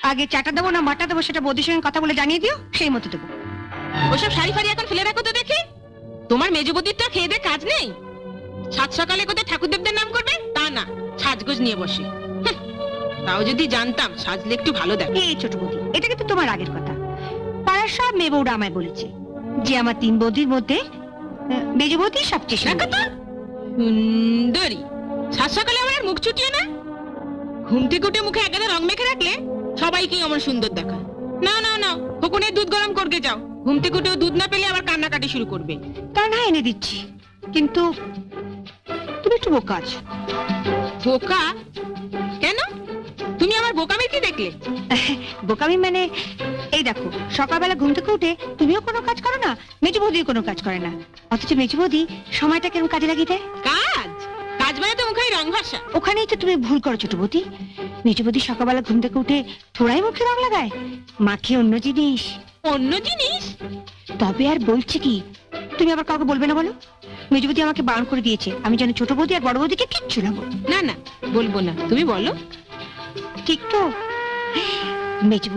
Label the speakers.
Speaker 1: আগে চাটা দেবো না মাটা দেবো সেটা বৌদির সঙ্গে কথা বলে জানিয়ে দিও, সেই মতো দেবো।
Speaker 2: ওসব শাড়ি ফাড়ি এখন ফেলে রাখো তো দেখি। তোমার মেজবদির তো খেয়ে দে কাজ নেই। সাত সকালে কোথায় ঠাকুরদেবদের নাম করবে তা না, সাজগোজ নিয়ে বসে। হুঁ, তাও যদি জানতাম সাজলে একটু ভালো দেখে।
Speaker 1: এই ছোট বৌদি, এটা কিন্তু তোমার আগের কথা। পাড়ার সব মেয়ে বউরা আমায় বলেছে যে আমার 3 বৌদির মধ্যে মেজ বৌদি সবচেয়ে সুন্দর।
Speaker 2: সুন্দরী। সাত সকালে আমার আর মুখ চুটিয়ে না। ঘুম থেকে উঠে মুখে একেবারে রং মেখে রাখলে সবাইকেই আমার সুন্দর দেখায়। না না না, ফকুনের দুধ গরম করতে যাও। ঘুম থেকে উঠেও দুধ না পেলে আবার কান্নাকাটি শুরু করবে।
Speaker 1: তা না এনে দিচ্ছি, কিন্তু তুমি একটু বোকা আছো।
Speaker 2: বোকা? কেন? তুমি আমার বোকামি কি দেখলে?
Speaker 1: বোকামি মানে এই দেখো, সকালবেলা ঘুম থেকে উঠে তুমিও কোনো কাজ করো না, মেজ বৌদিও কোনো কাজ করে না, অথচ মেজ বৌদি সময়টা কেরম কাজে লাগিয়ে দেয়।
Speaker 2: কাজ? কাজ মানে তো মুখে রং ভাষা।
Speaker 1: ওখানেই তো তুমি ভুল করো ছোট বৌদি। মেজ বৌদি সকালবেলা ঘুম থেকে উঠে থোড়াই মুখে রং লাগায়, মাখে অন্য জিনিস।
Speaker 2: অন্য জিনিস?
Speaker 1: তবে আর বলছি কি, তুমি আবার কাউকে বলবে না বলো? মেজ বৌদি আমাকে বারণ করে দিয়েছে, আমি যেন ছোট বৌদি আর বড় বৌদিকে কিচ্ছু না বলি।
Speaker 2: না না, বলবো না, তুমি বলো।
Speaker 1: ঠিক তো? মেজ